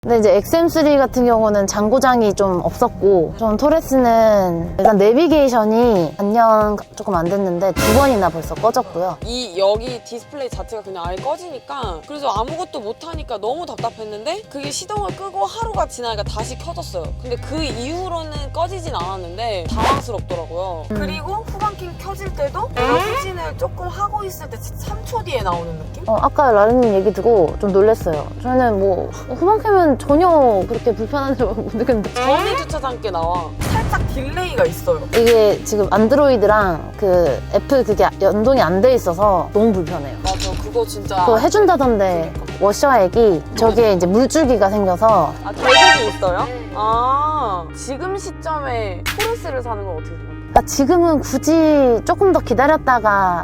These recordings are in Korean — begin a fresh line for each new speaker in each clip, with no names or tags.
근데 이제 XM3 같은 경우는 장고장이 좀 없었고, 좀 토레스는 일단 내비게이션이 반년 조금 안 됐는데 2번이나 벌써 꺼졌고요.
여기 디스플레이 자체가 그냥 아예 꺼지니까, 그래서 아무것도 못하니까 너무 답답했는데 그게 시동을 끄고 하루가 지나니까 다시 켜졌어요. 근데 그 이후로는 꺼지진 않았는데 당황스럽더라고요. 그리고 후방캠 켜질 때도 내가 후진을 조금 하고 있을 때 3초 뒤에 나오는 느낌?
아까 라르님 얘기 듣고 좀 놀랐어요. 저는 뭐 후방캠은 전혀 그렇게 불편한 줄 못 느꼈는데,
전에 주차장께 나와. 살짝 딜레이가 있어요.
이게 지금 안드로이드랑 그 애플 그게 연동이 안 돼 있어서 너무 불편해요.
맞아, 그거 진짜.
그거 해준다던데 워셔액이 저기에 이제 물줄기가 생겨서.
아, 계획이 있어요? 아, 지금 시점에 토레스를 사는 건 어떻게 생각해요?
그러니까 지금은 굳이 조금 더 기다렸다가.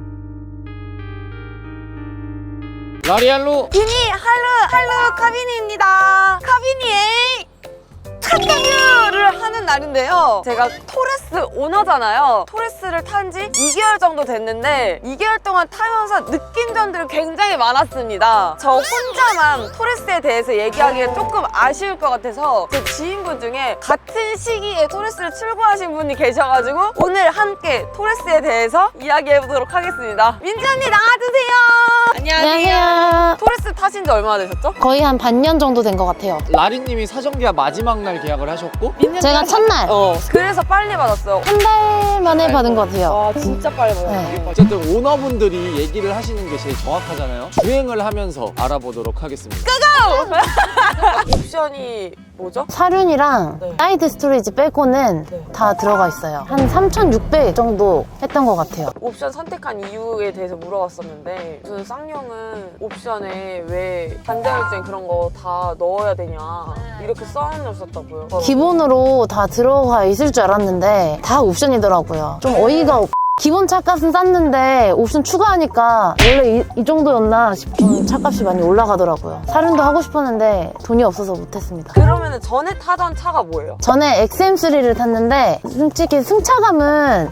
라리알로
비니 할로 카비니입니다. 카비니의 첫 리뷰를 하는 날인데요. 제가 토레스 오너잖아요. 토레스를 탄 지 2개월 정도 됐는데 2개월 동안 타면서 느낀 점들이 굉장히 많았습니다. 저 혼자만 토레스에 대해서 얘기하기가 조금 아쉬울 것 같아서 제 지인분 중에 같은 시기에 토레스를 출고하신 분이 계셔가지고 오늘 함께 토레스에 대해서 이야기해보도록 하겠습니다. 민지 언니 나와주세요.
안녕하세요.
토레스 타신 지 얼마나 되셨죠?
거의 한 반년 정도 된 것 같아요.
라리님이 사전계약 마지막 날 계약을 하셨고
제가 첫날
그래서 빨리 받았어요.
한 달 만에 받은 것 같아요.
아, 진짜 빨리 받았어요.
네.
어쨌든 오너분들이 얘기를 하시는 게 제일 정확하잖아요. 주행을 하면서 알아보도록 하겠습니다.
옵션이 뭐죠?
사륜이랑
네.
사이드 스토리지 빼고는
네.
다 들어가 있어요. 한 3,600 정도 했던 것 같아요.
옵션 선택한 이유에 대해서 물어봤었는데 무슨 쌍용은 옵션에 왜 반자율주행 그런 거 다 넣어야 되냐 이렇게 써놓으셨다고요.
기본으로 다 들어가 있을 줄 알았는데 다 옵션이더라고요. 좀 어이가 기본 차값은 쌌는데 옵션 추가하니까 원래 이 정도였나 싶은 차값이 많이 올라가더라고요. 사륜도 하고 싶었는데 돈이 없어서 못했습니다.
그러면 전에 타던 차가 뭐예요?
전에 XM3를 탔는데 솔직히 승차감은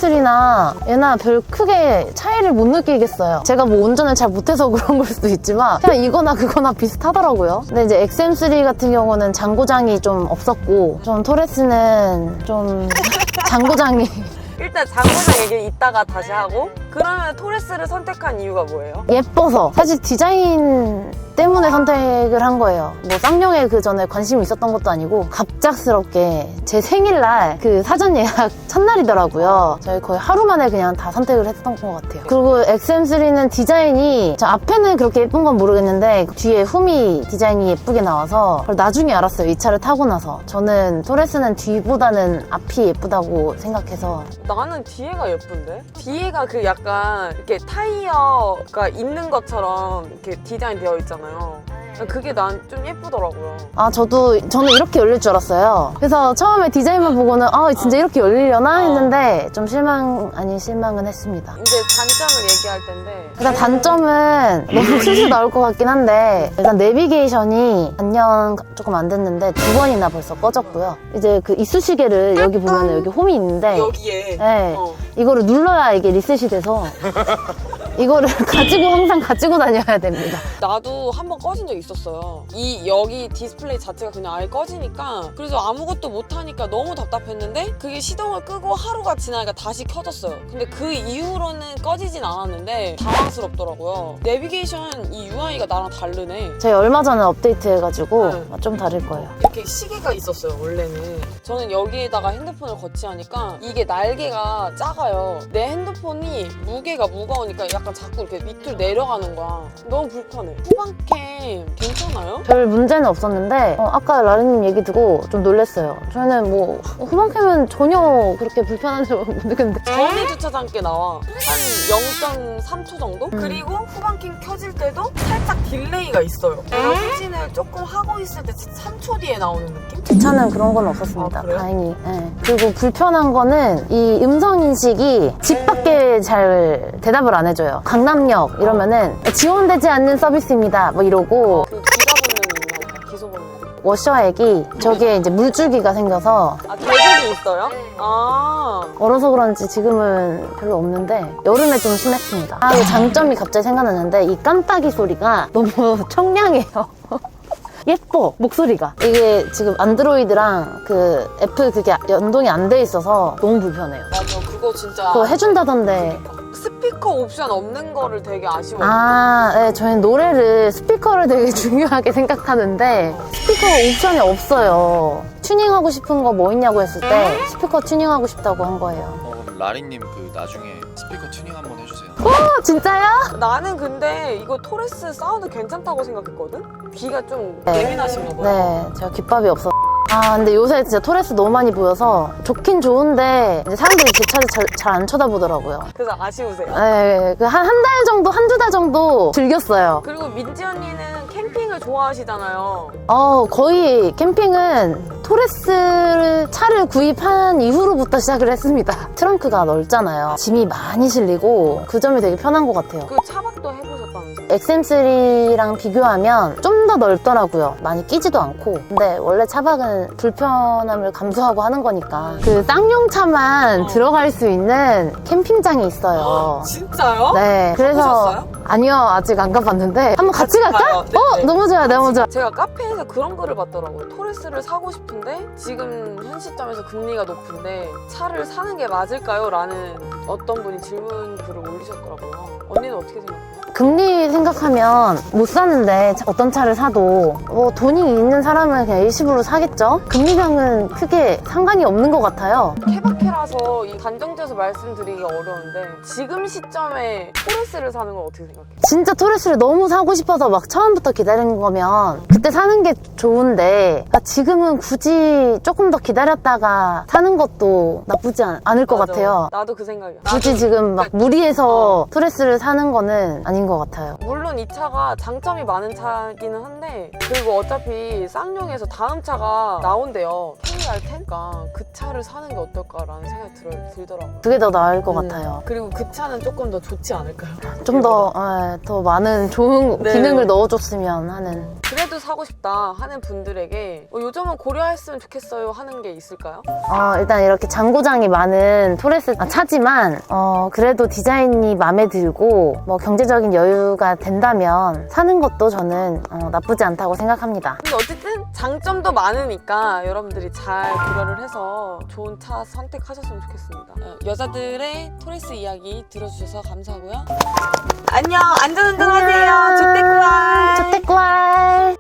XM3나 얘나 별 크게 차이를 못 느끼겠어요. 제가 뭐 운전을 잘 못해서 그런 걸 수도 있지만 그냥 이거나 그거나 비슷하더라고요. 근데 이제 XM3 같은 경우는 장고장이 좀 없었고, 좀 토레스는 좀 장고장이
일단 장고장 얘기 이따가 다시 하고, 그러면 토레스를 선택한 이유가 뭐예요?
예뻐서. 사실 디자인 때문에 선택을 한 거예요. 뭐 쌍용에 그 전에 관심이 있었던 것도 아니고 갑작스럽게 제 생일날 그 사전 예약 첫날이더라고요. 저희 거의 하루 만에 그냥 다 선택을 했던 것 같아요. 그리고 XM3는 디자인이, 저 앞에는 그렇게 예쁜 건 모르겠는데 뒤에 후미 디자인이 예쁘게 나와서 그걸 나중에 알았어요. 이 차를 타고 나서. 저는 토레스는 뒤보다는 앞이 예쁘다고 생각해서.
나는 뒤에가 예쁜데? 뒤에가 그 약간 이렇게 타이어가 있는 것처럼 이렇게 디자인 되어 있잖아요. 그게 난 좀 예쁘더라고요.
저는 이렇게 열릴 줄 알았어요. 그래서 처음에 디자인만 보고는 진짜 이렇게 열리려나 했는데 좀 실망 아닌 실망은 했습니다.
이제 단점을 얘기할 텐데,
일단 단점은 너무 슬슬 나올 것 같긴 한데, 일단 내비게이션이 반년 조금 안 됐는데 2번이나 벌써 꺼졌고요. 이제 그 이쑤시개를 여기 보면 여기 홈이 있는데
여기에
네, 이거를 눌러야 이게 리셋이 돼서 이거를 항상 가지고 다녀야 됩니다.
나도 한번 꺼진 적 있었어요. 여기 디스플레이 자체가 그냥 아예 꺼지니까, 그래서 아무것도 못하니까 너무 답답했는데 그게 시동을 끄고 하루가 지나니까 다시 켜졌어요. 근데 그 이후로는 꺼지진 않았는데 당황스럽더라고요. 내비게이션 이 UI가 나랑 다르네.
저희 얼마 전에 업데이트 해가지고
네.
좀 다를 거예요.
이렇게 시계가 있었어요, 원래는. 저는 여기에다가 핸드폰을 거치하니까 이게 날개가 작아요. 내 핸드폰이 무게가 무거우니까 약간 자꾸 이렇게 밑으로 내려가는 거야. 너무 불편해. 후방캠 괜찮아요?
별 문제는 없었는데 아까 라르님 얘기 듣고 좀 놀랐어요. 저는 뭐 후방캠은 전혀 그렇게 불편한 줄 못 느꼈는데,
전에 주차장께 나와. 한 0.3초 정도? 그리고 후방캠 켜질 때도 살짝 딜레이가 있어요. 내가 후진을 조금 하고 있을 때 3초 뒤에 나오는 느낌?
제 차는 그런 건 없었습니다.
아, 그래요?
다행히. 네. 그리고 불편한 거는 이 음성인식이 집 밖에 잘 대답을 안 해줘요. 강남역 이러면은 지원되지 않는 서비스입니다 뭐 이러고,
그 기가 본능이 있나? 기소 본능.
워셔액이 저기에 이제 물줄기가 생겨서.
아, 계획이 있어요? 아.
얼어서 그런지 지금은 별로 없는데 여름에 좀 심했습니다. 그 장점이 갑자기 생각났는데 이 깜빡이 소리가 너무 청량해요. 예뻐 목소리가. 이게 지금 안드로이드랑 그 애플 그게 연동이 안 돼 있어서 너무 불편해요.
맞아, 그거 진짜.
그거 해준다던데.
스피커 옵션 없는 거를 되게 아쉬워요.
아, 네, 저희는 노래를 스피커를 되게 중요하게 생각하는데 스피커 옵션이 없어요. 튜닝하고 싶은 거 뭐 있냐고 했을 때 스피커 튜닝하고 싶다고 한 거예요.
그럼 라리님 그 나중에 스피커 튜닝 한번 해주세요.
진짜요?
나는 근데 이거 토레스 사운드 괜찮다고 생각했거든? 귀가 좀
네.
예민하신가 봐요.
네, 제가 귓밥이 없어. 아, 근데 요새 진짜 토레스 너무 많이 보여서 좋긴 좋은데 이제 사람들이 제 차를 잘 안 쳐다보더라고요.
그래서 아쉬우세요.
네, 한 달 정도, 한두 달 정도 즐겼어요.
그리고 민지 언니는 캠핑을 좋아하시잖아요.
거의 캠핑은 토레스 차를 구입한 이후로부터 시작을 했습니다. 트렁크가 넓잖아요. 짐이 많이 실리고 그 점이 되게 편한 것 같아요.
그 차박도 해보셨다면서요?
XM3랑 비교하면 좀 더 넓더라고요. 많이 끼지도 않고. 근데 원래 차박은 불편함을 감수하고 하는 거니까 그 쌍용차만 들어갈 수 있는 캠핑장이 있어요.
진짜요?
네, 그래서
가보셨어요?
아니요, 아직 안 가봤는데 한번 같이 갈까?
가요. 네, 네.
너무 좋아요, 너무 좋아.
제가 카페에서 그런 글을 봤더라고요. 토레스를 사고 싶은데 지금 현 시점에서 금리가 높은데 차를 사는 게 맞을까요? 라는 어떤 분이 질문 글을 올리셨더라고요. 언니는 어떻게 생각해요?
금리 생각하면 못 사는데 어떤 차를 사도 뭐 돈이 있는 사람은 그냥 일시불로 사겠죠? 금리랑은 크게 상관이 없는 것 같아요.
케바케라서 이 단정지어서 말씀드리기가 어려운데 지금 시점에 토레스를 사는 건 어떻게 생각해요?
진짜 토레스를 너무 사고 싶어서 막 처음부터 기다리는 거면 그때 사는 게 좋은데 지금은 굳이 조금 더 기다렸다가 사는 것도 나쁘지 않을 것
맞아.
같아요.
나도 그 생각이야.
굳이 지금 막 무리해서 토레스를 사는 거는 아닌 것 같아요.
물론 이 차가 장점이 많은 차기는 한데 그리고 어차피 쌍용에서 다음 차가 나온대요. KR10가 그 차를 사는 게 어떨까라는 생각이 들더라고요.
그게 더 나을 것 같아요.
그리고 그 차는 조금 더 좋지 않을까요?
좀 더 많은 좋은
네.
기능을 넣어줬으면 하는.
그래도 사고 싶다 하는 분들에게 요점은 고려했으면 좋겠어요 하는 게 있을까요?
일단 이렇게 잔고장이 많은 토레스 차지만 그래도 디자인이 마음에 들고 뭐 경제적인 여유가 된다면 사는 것도 저는 나쁘지 않다고 생각합니다.
근데 어쨌든 장점도 많으니까 여러분들이 잘 고려를 해서 좋은 차 선택하셨으면 좋겠습니다. 여자들의 토레스 이야기 들어주셔서 감사하고요. 안녕, 안전운전하세요. 주택구알.
주택구알.